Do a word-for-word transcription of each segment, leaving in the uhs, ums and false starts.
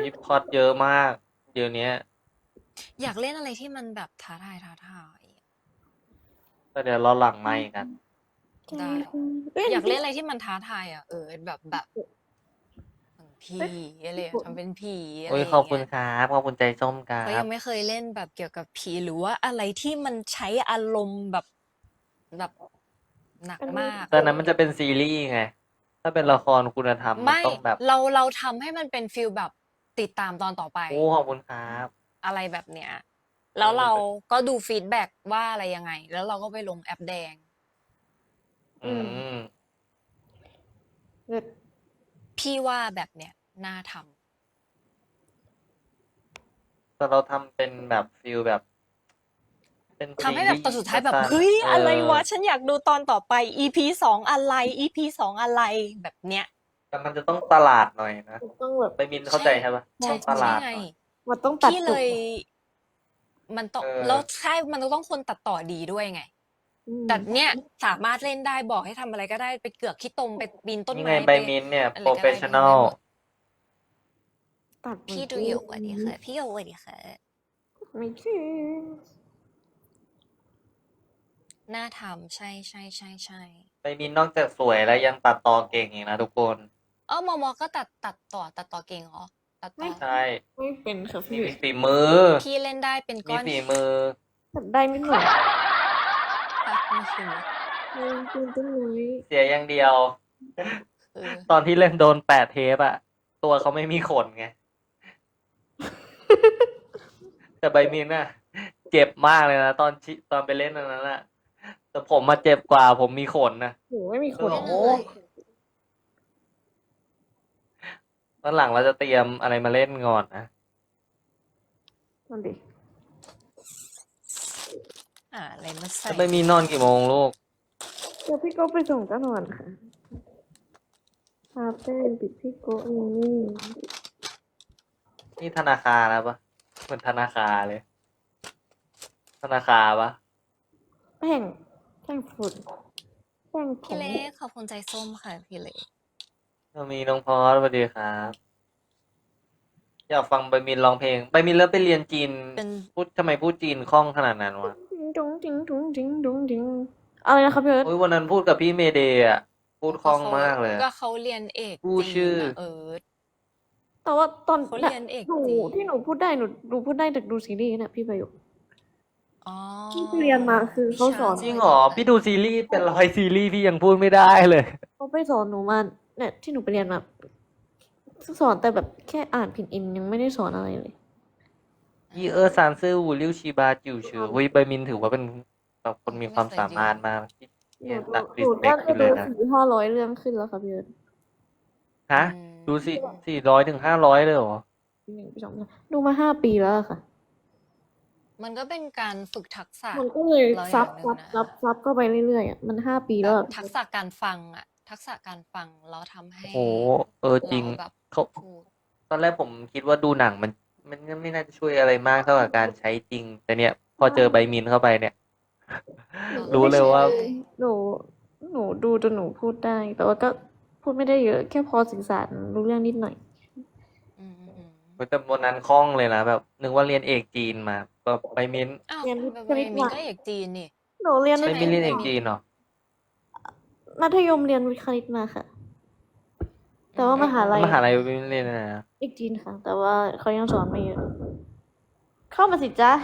ยพล็อตเยอะมาก เดี๋ยวนี้อยากเล่นอะไรที่มันแบบท้าทายท้าทายก็เดี๋ยวเราหลังไมค์กันได้เอ้ยอยากเล่นอะไรที่มันท้าทายอ่ะ เออ แบบแบบหนังผีอะไรอะทำเป็นผีอะไรโอ้ยอย่างขอบคุเงี้ณยครับ ขอบคุณใจส้มครัเพราะยับงไม่เคยเล่นแบบเกี่ยวกับผี หรือว่าอะไรที่มันใช้อารมณ์แบบแบบหนักมากแต่นั้นมันจะเป็นซีรีส์ไง ถ้าเป็นละครคุณธรรมมันไม่ต้องแบบเราเราทำให้มันเป็นฟีลแบบติดตามตอนต่อไปโอ้ ขอบคุณครับอะไรแบบเนี้ย แล้วเราก็ดูฟีดแบ็กว่าอะไรยังไง แล้วเราก็ไปลงแอปแดงอืมเลิศพี่ว่าแบบเนี้ยน่าทำแต่เราทำเป็นแบบฟีลแบบ เป็นทำให้แบบตอนสุดท้ายแบบซีรีส์เฮ้ยสั้นๆอะไรวะเออฉันอยากดูตอนต่อไป อี พี สอง อะไร อี พี สอง อะไร แบบเนี้ยแต่มันจะต้องตลาดหน่อยนะต้องแบบไปมินเข้าใจใช่ปะใช่ต้องตใช่ลาดไงหน่อยมันต้องตัดพี่จเลยบมันต้องเออแล้วใช่ มันต้องคนตัดต่อดีด้วยไงอืมแต่เนี่ยสามารถเล่นได้ บอกให้ทำอะไรก็ได้ ไปเกือกขี้ตม ไปปีนต้นนี่ไม้ไงใบไปมินท์เนี่ยอะไรโปรก็เฟได้สชั่นทำอได้ลหมดตัดพี่ดูอยู่ สวัสดีค่ะ พี่โย สวัสดีค่ะไม่ถึงน่าทำ ใช่ ๆ ๆ ๆใบมินท์นอกจากสวยแล้วยังตัดต่อเก่งอีกนะทุกคนอ้าว มม. ก็ตัด ตัดต่อ ตัดต่อเก่งเหรอ? ตัดไมต่่อใช่ไม่เป็นค่ะมีพี่มีฝีมือพี่เล่นได้เป็นก้มีอนฝีมือตัดได้นิดหน่อยค่ะ มีฝีมืออืม ปีนต้นไม้เสียอย่างเดียวคือตอนที่เล่นโดนแปะเทปอะ ตัวเขาไม่มีขนไง แต่ใบมินท์น่ะ เจ็บมากเลยนะ ตอนชิ ตอนไปเล่นอันนั้นน่ะ แต่ผมอะเจ็บกว่า ผมมีขนน่ะหนูไม่มีขนโอ้โฮเล่นอะไร? วันหลังเราจะเตรียมอะไรมาเล่นก่อนนะนั่นดิหาอะไรมาใสแล้ว่ใบมินท์นอนกี่โมงลูก? เดี๋ยวพี่โก้ไปส่งก็นอนค่ะ คาเฟปิดพี่โก้อยู่นี่นี่ธนาคารแล้วเปล่า? เหมือนธนาคารเลย ธนาคารเปล่า? แป้ง แป้งฝุ่น แป้งผพี่งเล็ก ขอบคุณใจส้มค่ะ พี่เล็กเรามีน้องพอส สวัสดีครับ อยากฟังใบมินท์ร้องเพลง ใบมินท์แล้วไปเรียนจีนเป็นพูด ทำไมพูดจีนคล่องขนาดนั้นวะ? ดุ๋งดิ๋ง ดุ๋งดิ๋ง ดุ๋งดิ๋ง อะไรนะครับพี่เอิร์ธ? โอ๊ย วันนั้นพูดกับพี่เมย์เดย์อะ พูดคล่องมากเลยก็เขาเรียนเอกพูดจีชื่อนน่ะ เอิร์ธแต่ว่าตอนเขาน่ะเรียนเอกหนูจีนที่หนูพูดได้ หนู หนูพูดได้จากดูซีรีส์น่ะพี่ประโยคอ๋อที่ไปเรียนมาคือวิเขาชาสอนจริงเหรอ? พี่ดูซีรีส์เป็น ร้อย ซีรีส์พี่ยังพูดไม่ได้เลยเขาไปสอนหนูมา เนี่ยที่หนูไปเรียนมา สอนแต่แบบแค่อ่านพินอิน ยังไม่ได้สอนอะไรเลยยี่เอ้อซานซื่อวูลิ่วชีบาจิ๋วฉือ อุ๊ย ใบมินท์ถือว่าเป็นแบบคนมีความสามารถมาก ที่หนูเนี่ยดูตัดหนู respect น่าไปจะเลดูยนะสี่ห้าร้อย เรื่องขึ้นแล้วค่ะพี่เอิร์ธฮะอืมดูสิ สี่ร้อยถึงห้าร้อย เลยเหรอ? ปีหนึ่ง ปีสอง ปีสาม ดูมา ห้า ปีแล้วอะค่ะมันก็เป็นการฝึกทักษะมันก็เลยเราอซัย่าบงหนึ่ซังบนะซับ ซับเข้าไปเรื่อย ๆ อะ มัน ห้า ปีแบแล้วบอะทักษะการฟังอะ ทักษะการฟังแล้วทำให้โอ้โฮ เออ จริงเราแบบเขาพูดตอนแรกผมคิดว่าดูหนังมัน มันก็ไม่น่าจะช่วยอะไรมากเท่ากับการใช้จริง แต่เนี่ยพอเจอใบมินท์เข้าไปเนี่ยหนูอ๋อรู้ไม่เลใชยว่าใช่หนู หนูดูจนหนูพูดได้ แต่ว่าก็พูดไม่ได้เยอะ แค่พอสื่อสารรู้เรื่องนิดหน่อยอืมโอ้โฮ แต่วันนั้นคล่องเลยนะ แบบนึกว่าเรียนเอกจีนมา แบบใบมินท์อ้าวเรียนวิใบทย์ใบคณิตมินมาก็เอกจีนนี่หนูเรียนใช่ใบไหม? มินท์เรียนใบเอกมินจีนเหรอ? มัธยมเรียนวิทย์คณิตมาค่ะอแต่ืว่ามหามลัยมหาลัยใบมินท์เรียนอะไรนะ? เอกจีนค่ะ แต่ว่าเขายังสอนไม่เยอะ เข้ามาสิจ๊ะ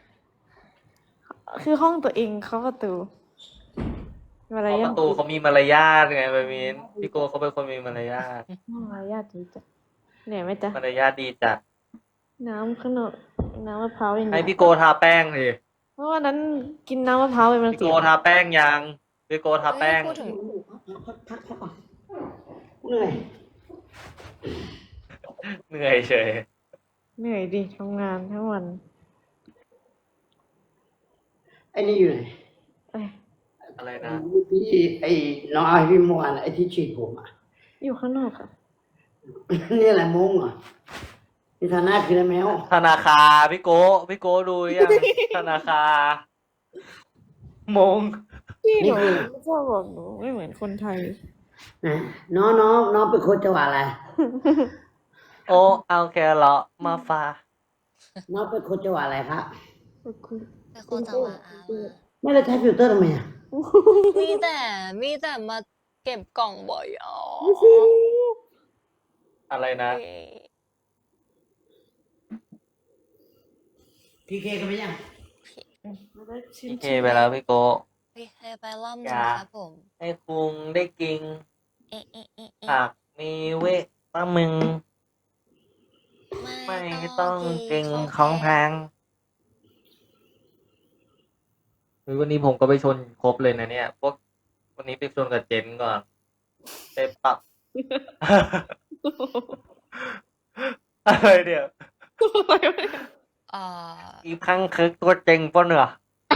คือห้องตัวเองเคาะประตู มารเคาะยปาระทตูเขามีมารยาทไงใบมินท์ พี่โก้เขาเป็นคนมีมารยาทมารยาทดีจัง เหนื่อยไหมจ๊ะ? มารยาทดีจัดน้ำข้างนอก น้ำมะพร้าวยังให้พี่โก้ทาแป้งสิเพราะวันนั้นกินน้ำมะพร้าวไปมันพี่เสีโก้ยทาแป้งยัง? พี่โก้ทาเฮ้แป้ยงพูดถึงพัก พัก พักก่อน เหนื่อยเหนื่อยเฉยเหนื่อยดิ ทำงานทั้งวันไอ้นี่อยู่ไหน? อะไร? อะไรไอ้นะ? ที่ ไอ้น้องเอาให้พี่เมื่อวาน ไอ้ที่ฉีดผมอะอยู่ข้างนอกค่ะนี่อะไรมุ้งเหรอ? นี่ทาหน้าคืออะไรแมว? ธนาคาร พี่โก้ พี่โก้ดูหรือยัง? ธนาคาร มงพี่หนี่นูคือชอบบอกหนูไม่เหมือนคนไทยไหน น้อง น้อง น้องเป็นคนจังหวัดอะไร? โอ้เอาแครอทมาฝากน้องเป็นคนจังหวัดอะไรครับคุณเป็นคนจังหวัดอามาไม่ได้ใช้ฟิลเตอร์ทำไมอ่ะมีแต่มีแต่มาเก็บกล่องบ่อยอ๋ออะไรนะเอ้ยพีเคกันไหมยังไม่ได้ชิมพี่เคไปแล้วพี่โกพี่เคไปล่ำอนะย่าครับผมให้คุงได้กินเอ๊ะเอ๊ะเอ๊ะเอ๊ะผักมีเวทามึงไม่ไม่ต้ต้ออง งกิกินนของของแพแพงงเฮ้ยวันนี้ผมก็ไปชนครบเลยนะเนี่ย พวกวันนี้ไปชนกับเจนก่อนไปปัก อะไรเดี๋ยวเอ่ออีพังคือตัวจริงปะเนี่ย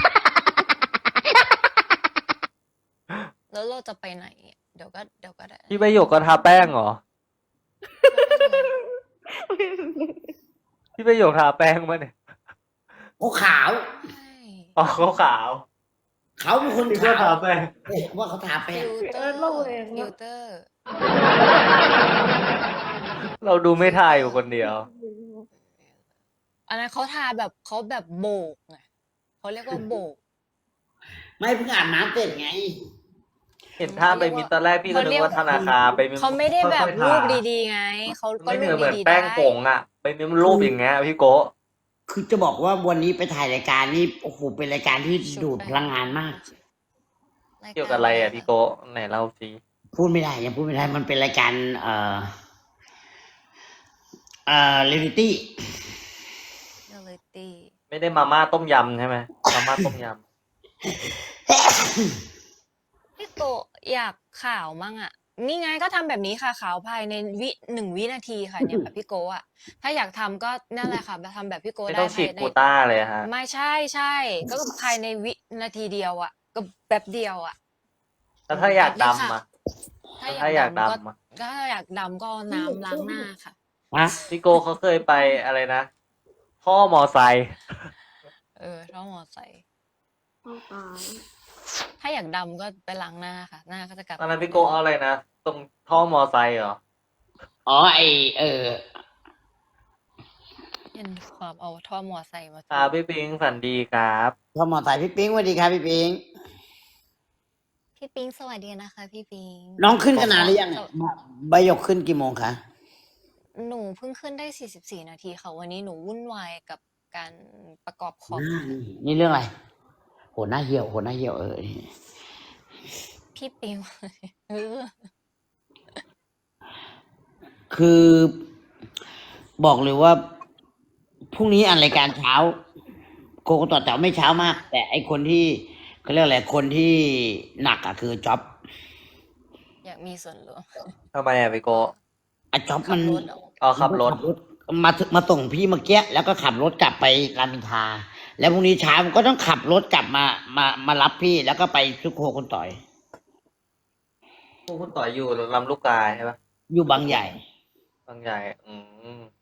แล้วเราจะไปไหน เดี๋ยวก็เดี๋ยวก็ได้พี่ประโยคก็ทาแป้งเหรอ พี่ประโยคทาแป้งมาเนี่ยโอ้ขาวใช่อ๋อเขาขาวเขาเป็นคนพี่ก็ขาวทาแป้งเอ๊ะว่าเขาทาแป้ฟิงลเตอร์ฟิลเตอร์เราดูไม่ทายอยู่คนเดียวอันนั้นเขาทาแบบเขาแบบโบกไงเขาเรียกว่าโบกไม่เพิ่งอาบน้ำเสร็จไงเห็นท่าไปมินตอนแรกพี่ก็นึกว่าธนาคารไปมินเขาไม่ได้แบบค่อยๆทารูปดีๆไงเขาก็ไม่เหรูมือนปเหมือนดีๆแป้ได้งผงอ่ะ ไปมินมันรูปอย่างเงี้ยพี่โกะคือจะบอกว่าวันนี้ไปถ่ายรายการนี่โอ้โหเป็นรายการที่ดูดพลังงานมากเกี่ยวกับอะไรอ่ะพี่โกะไหนเล่าสิพูดไม่ได้ยังพูดไม่ได้มันเป็นรายการเอ่อเอ่อเรียลิตี้เรียลิตี้ไม่ได้มาม่าต้มยำใช่ไหมมาม่าต้มยพี่โกะอยากข่าวมั่งอ่ะ นี่ไงก็ทำแบบนี้ค่ะข่าวภายในวิหนึ่งวินาทีค่ะเนี่ยแบบพี่โกะอ่ะถ้าอยากทำก็นั่นแหละค่ะทำแบบพี่ำโกะไม่ได้ต้องฉีดภายในกูต้าเลยฮะไม่ใช่ใช่ก็ภายในวินาทีเดียวอ่ะ ก็แบบเดียวอ่ะแล้วถ้าอยากแบบนี้ค่ะดำอ่ะถ้าถ้าอยาก กอายดำก็ดำอ่ะก็ถ้าอยากดำก็เอาน้ำล้างหน้าค่ะฮะพี่โกะเขาเคยไปอะไรนะพ่อมอไซค์เออท้องมอไซค์เข้าตายถ้าอยากดำก็ไปล้างหน้าค่ะ หน้าก็จะกลับตอนนั้นพี่โกะเอาอะไรนะตรงท่อมอไซค์เหรออ๋อไอเออเห็นความเอาท่อมอไซค์มาครับพี่ปิงฝันดีครับพอหมอสายพี่ปิ๊งสวัสดีครับพี่ปิ๊งพี่ปิงสวัสดีนะคะ พี่ปิงน้องขึ้นกันนานหรือยังใบหยกขึ้นกี่โมงคะหนูเพิ่งขึ้นได้สี่สิบสี่นาทีค่ะ วันนี้หนูวุ่นวายกับการประกอบคอมอ่านี่นี่เรื่องอะไรโหหน้าเหี่ยวโหหน้าเหี่ยวเออพี่ปิง เออคือบอกเลยว่าพรุ่งนี้อันรายการเช้าโกโกต่อแต่ไม่เช้ามาก แต่ไอคนที่เขาเรียกอะไรคนที่หนักอะคือจ็อบอยากมีส่วนร่วมทำไมอ่ะพี่โกะอะจ็อบขัมับนรถเหรอเอาขับรถมาถึงมาส่งพี่เมื่อกี้แล้วก็ขับรถกลับไปรามอินทราแล้วพรุ่งนี้เช้ามันก็ต้องขับรถกลับมามามารับพี่แล้วก็ไปซุกโคคนต่อยพวกคุณต่อยอยู่ลำลูกกาใช่ปะอยู่บางใหญ่บางใหญ่อืมอืม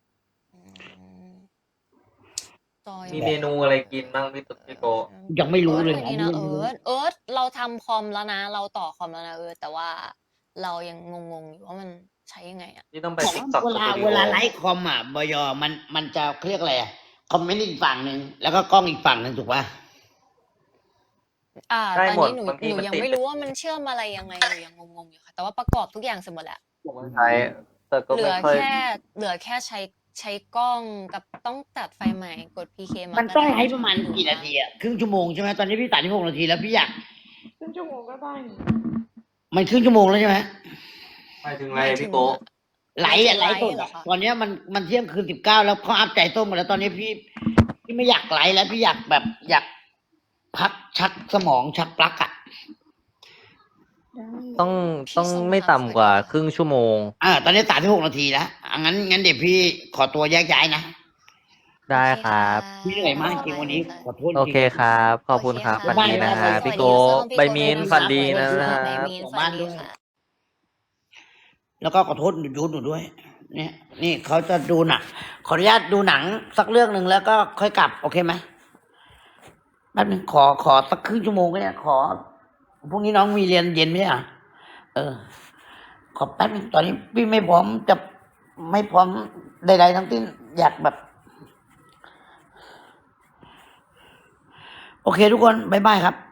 จอยมีเมนูอะไรกินบ้างพี่ตุ๊กพี่โกะยังไม่รู้เลยอิร์ธวันนี้นะเอิร์ธเอิร์ธเราทำคอมแล้วนะ เราต่อคอมแล้วนะเอิร์ธแต่ว่าเรายังงงๆอยู่ว่ามันใช้ยังไงอ่ะพี่ต้องไปของติ๊กต็อกเวสลาตูดิเวโอลาไลฟ์คอมอ่ะบยมันมันจะเขาเรียกอะไรอะคอมเมนต์อีกฝั่งหนึ่งแล้วก็กล้องอีกฝั่งหนึ่งถูกป่ะอ่าได้ตอนหมดนี้หนูบางทีหนูมันยังติดไม่รู้ว่ามันเชื่อมอะไรยังไงหนูยังงงๆอยู่ค่ะ แต่ว่าประกอบทุกอย่างเสร็จหมดแล้วผมใช้แต่ก็เหลืไม่อค่อยแค่เหลือแค่ใช้ใช้กล้องกับต้องตัดไฟล์ใหม่กด พี เค มามันก็ต้องได้ไลฟ์ประมาณกี่นาทีอ่ะครึ่งชั่วโมงใช่ไหมตอนนี้พี่ตัดที่หกนาทีแล้วพี่อยากครึ่งชั่วโมงก็ได้นี่มันครึ่งชั่วโมงแล้วใช่ไหมไปถึงไรพี่โกะไลฟ์อะไลฟ์สดเหรอะอคะตอนเนี้ยมันมันเที่ยงคืนสิบเก้าแล้วเขาอัพใจต้มหมดแล้วตอนนี้พี่พี่ไม่อยากไลฟ์แล้วพี่อยากแบบอยากพักชักสมองชักปลั๊กอ่ะได้ต้องต้องไม่ต่ำกว่าครึ่งชั่วโมงอ่าตอนนี้ตัดที่หกนาทีแล้วอ่ะงั้นงั้นเดี๋ยวพี่ขอตัวแยกย้ายนะได้ครับพี่เหนื่อยมากจริงวันนี้ขอโทษจริงโอเคครับ ขอบคุณครับโอฝันเดีนะบ๊ายบายฮะสวัสพี่ดีโกะส้มพี่ใบมีนโกะฝันดีนะสวัสคค่ะรับใบมีนของฝับ้านนด้ดีวยค่ะแล้วก็ขอโทษยูทหนูด้วย เนี่ย นี่เขาจะดูหนังขออนุญาตดูหนังสักเรื่องหนึ่งแล้วก็ค่อยกลับ โอเคไหมแป๊บนึงขอขอสักครึ่งชั่วโมงก็ได้ขอพรุ่งนี้น้องมีเรียนเย็นไหมอ่ะเออ ขอแป๊บนึงตอนนี้พี่ไม่พร้อมจะไม่พร้อมใดๆทั้งสิ้นอยากแบบ โอเคทุกคนบ๊ายบายครับ